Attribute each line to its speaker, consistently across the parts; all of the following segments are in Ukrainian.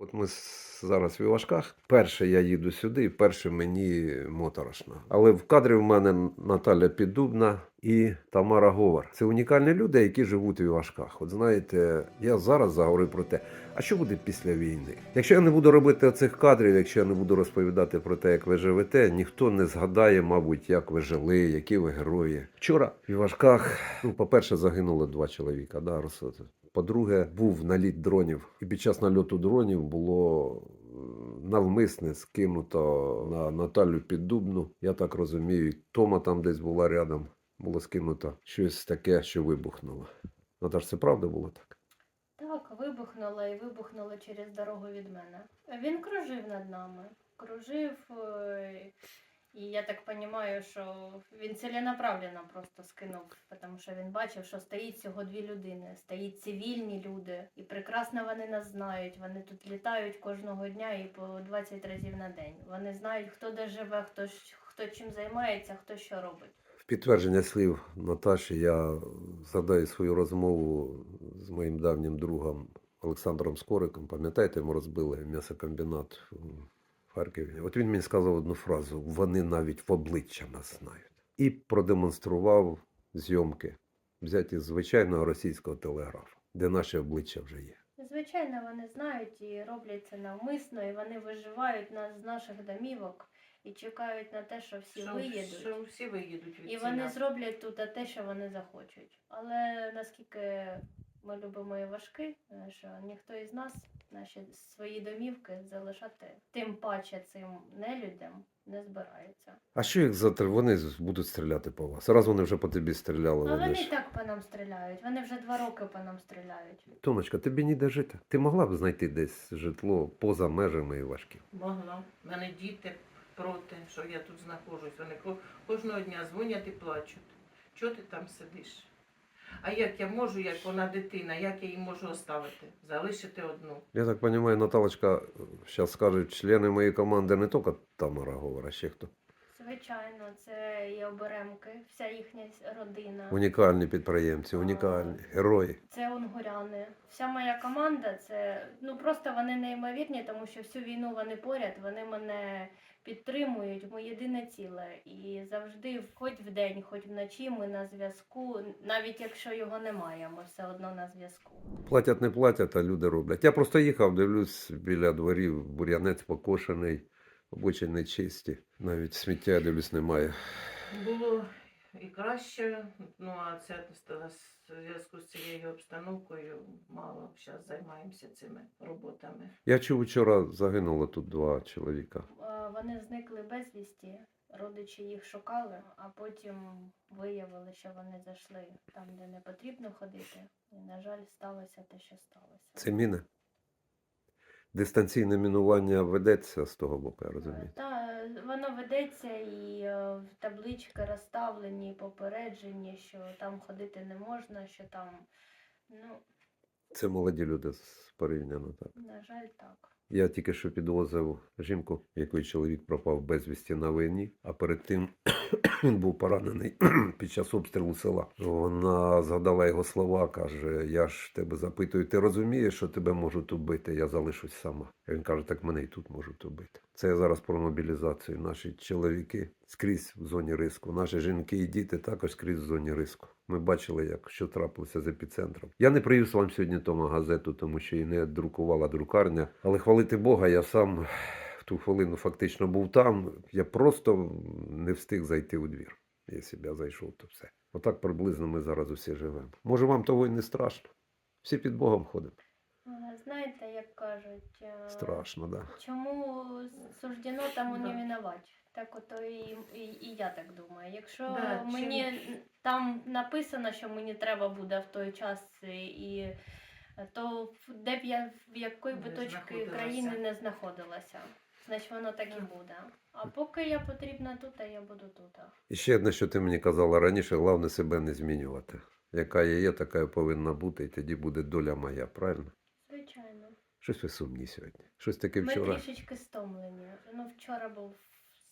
Speaker 1: От ми зараз в Івашках. Перше я їду сюди, і перше мені моторошно. Але в кадрі в мене Наталя Піддубна і Тамара Говор. Це унікальні люди, які живуть в Івашках. От знаєте, я зараз заговорю про те, а що буде після війни? Якщо я не буду робити цих кадрів, якщо я не буду розповідати про те, як ви живете, ніхто не згадає, мабуть, як ви жили, які ви герої. Вчора в Івашках, по-перше, загинуло 2 чоловіка. Да, По-друге, був наліт дронів. І під час нальоту дронів було навмисне скинуто на Наталю Піддубну. Я так розумію, Тома там десь була рядом. Було скинуто щось таке, що вибухнуло. Наташ, це правда було так?
Speaker 2: Так, вибухнуло і вибухнуло через дорогу від мене. Він кружив над нами. Кружив, і я так розумію, що він ціленаправленно просто скинув, тому що він бачив, що стоїть всього 2 людини, стоїть цивільні люди, і прекрасно вони нас знають, вони тут літають кожного дня і по 20 разів на день. Вони знають, хто де живе, хто чим займається, хто що робить.
Speaker 1: В підтвердження слів Наташі я згадаю свою розмову з моїм давнім другом Олександром Скориком. Пам'ятаєте, ми розбили м'ясокомбінат в Харкові. От він мені сказав одну фразу: вони навіть в обличчя нас знають. І продемонстрував зйомки, взяті з звичайного російського телеграфу, де наші обличчя вже є.
Speaker 2: Звичайно, вони знають і роблять це навмисно, і вони виживають нас з наших домівок і чекають на те, що всі виїдуть.
Speaker 3: Що всі виїдуть від
Speaker 2: І вони зроблять тут те, що вони захочуть. Але наскільки ми любимо Івашки, що ніхто із нас наші свої домівки залишати тим паче цим нелюдям не збирається.
Speaker 1: А що їх вони будуть стріляти по вас? Раз вони вже по тобі стріляли.
Speaker 2: А
Speaker 1: Вони
Speaker 2: вони
Speaker 1: ж...
Speaker 2: і так по нам стріляють. Вони вже 2 роки по нам стріляють.
Speaker 1: Томочка, тобі ніде жити. Ти могла б знайти десь житло поза межами Івашків?
Speaker 3: Могла. У мене діти проти, що я тут знаходжусь. Вони кожного дня дзвонять і плачуть. Чого ти там сидиш? А як я можу, як вона дитина, як я її можу оставити? Залишити одну.
Speaker 1: Я так розумію, Наталочка, зараз скажуть, члени моєї команди не тільки Тамара Говор, а ще хто?
Speaker 2: Звичайно, це і оберемки, вся їхня родина.
Speaker 1: Унікальні підприємці, унікальні герої.
Speaker 2: Це унгуряни. Вся моя команда, це просто вони неймовірні, тому що всю війну вони поряд, вони мене підтримують, ми єдине ціле. І завжди, хоч вдень, хоч вночі, ми на зв'язку. Навіть якщо його немає, ми все одно на зв'язку.
Speaker 1: Платять, не платять, а люди роблять. Я просто їхав, дивлюсь, біля дворів бур'янець покошений, обочини чисті. Навіть сміття, я дивлюсь, немає.
Speaker 3: Було і краще, а це в зв'язку з цією обстановкою мало зараз займаємося цими роботами.
Speaker 1: Я чув, вчора загинуло тут 2 чоловіка.
Speaker 2: Вони зникли безвісті, родичі їх шукали, а потім виявили, що вони зайшли там, де не потрібно ходити. І, на жаль, сталося те, що сталося.
Speaker 1: Це міни? Дистанційне мінування ведеться з того боку, я розумію.
Speaker 2: Так, воно ведеться і таблички розставлені, попереджені, що там ходити не можна, що там,
Speaker 1: Це молоді люди порівняно, так.
Speaker 2: на жаль, так.
Speaker 1: Я тільки що підвозив жінку, якої чоловік пропав безвісті на війні, а перед тим він був поранений під час обстрілу села. Вона згадала його слова, каже: я ж тебе запитую, ти розумієш, що тебе можуть убити, я залишусь сама. А він каже: так мене і тут можуть убити. Це я зараз про мобілізацію. Наші чоловіки скрізь в зоні риску, наші жінки і діти також скрізь в зоні риску. Ми бачили, що трапилося з епіцентром. Я не привіз вам сьогодні Тома газету, тому що її не друкувала друкарня. Але хвалити Бога, я сам в ту хвилину фактично був там. Я просто не встиг зайти у двір. Якщо б я зайшов, то все. Отак приблизно ми зараз усі живемо. Може, вам того й не страшно? Всі під Богом ходимо.
Speaker 2: Знаєте, як кажуть,
Speaker 1: Страшно, так. Да.
Speaker 2: Чому суждено, тому не винувать. Так ото і я так думаю. Якщо мені там написано, що мені треба буде в той час, то де б я в якої би точці країни не знаходилася, значить воно так і буде. А поки я потрібна тут, а я буду тут.
Speaker 1: І ще одне, що ти мені казала раніше, головне себе не змінювати. Яка я є, така я повинна бути, і тоді буде доля моя, правильно?
Speaker 2: Звичайно.
Speaker 1: Щось ви сумні сьогодні. Щось таке
Speaker 2: Ми
Speaker 1: вчора.
Speaker 2: трішечки стомлені. Вчора був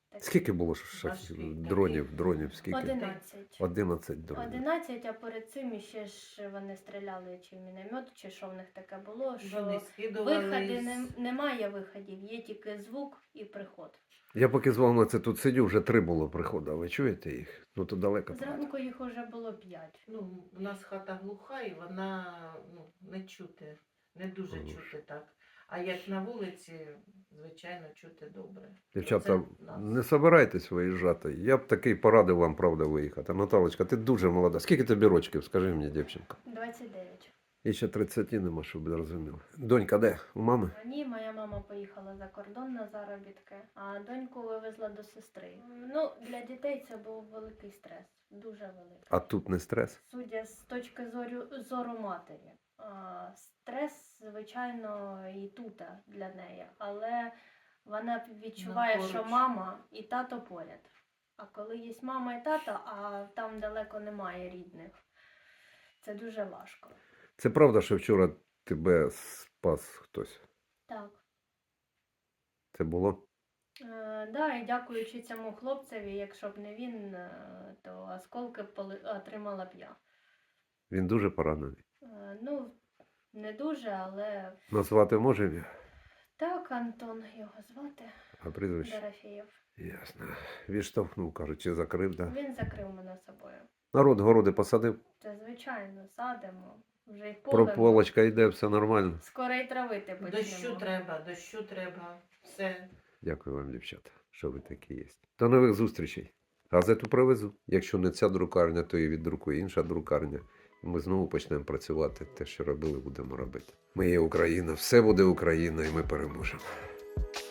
Speaker 2: Такі.
Speaker 1: Скільки було
Speaker 3: Важкий
Speaker 1: дронів, скільки?
Speaker 2: 11.
Speaker 1: 11 дронів.
Speaker 2: 11, а перед цим іще ж вони стріляли чи в міномет, чи що в них таке було, що
Speaker 3: Вони скидували.
Speaker 2: виходи немає виходів, є тільки звук і приход.
Speaker 1: Я поки з вами це тут сидю, вже 3 було приходу, а ви чуєте їх? Ну то далеко. правда.
Speaker 2: Зранку їх уже було 5.
Speaker 3: Ну, у нас хата глуха і вона не чути, не дуже
Speaker 1: Ага.
Speaker 3: чути так. А як на вулиці, звичайно, чути добре.
Speaker 1: Дівчата,
Speaker 3: Це нас.
Speaker 1: не собирайтесь виїжджати. Я б такий порадив вам, правда, виїхати. Наталочка, ти дуже молода. Скільки тобі рочків, скажи мені, дівчинка?
Speaker 2: 29.
Speaker 1: І ще 30 нема, щоб ви розуміли. Донька де? У мами?
Speaker 2: Ні, моя мама поїхала за кордон на заробітки, а доньку вивезла до сестри. Ну, для дітей це був великий стрес, дуже великий.
Speaker 1: А тут не стрес?
Speaker 2: Судя з точки зору матері. Стрес, звичайно, і тут для неї, але вона відчуває, що
Speaker 3: поруч.
Speaker 2: мама і тато поряд. А коли є мама і тато, а там далеко немає рідних, це дуже важко.
Speaker 1: Це правда, що вчора тебе спас хтось?
Speaker 2: Так.
Speaker 1: Це було?
Speaker 2: Да, і дякуючи цьому хлопцеві, якщо б не він, то осколки отримала б я.
Speaker 1: Він дуже поранений.
Speaker 2: Ну, не дуже, але
Speaker 1: Назвати може ім'я?
Speaker 2: так, Антон його звати,
Speaker 1: А прізвище?
Speaker 2: Дорофєєв.
Speaker 1: Ясно. Відштовхнув, кажуть, чи закрив, да.
Speaker 2: Він закрив мене собою.
Speaker 1: Народ городи посадив,
Speaker 2: Це звичайно, садимо, вже й полемо.
Speaker 1: прополочка йде, все нормально.
Speaker 2: Скоро й травити почнемо.
Speaker 3: Дощу треба, все.
Speaker 1: Дякую вам, дівчата, що ви такі є. До нових зустрічей. Газету привезу. Якщо не ця друкарня, то і віддрукує інша друкарня. І ми знову почнемо працювати. Те, що робили, будемо робити. Ми є Україна, все буде Україна, і ми переможемо.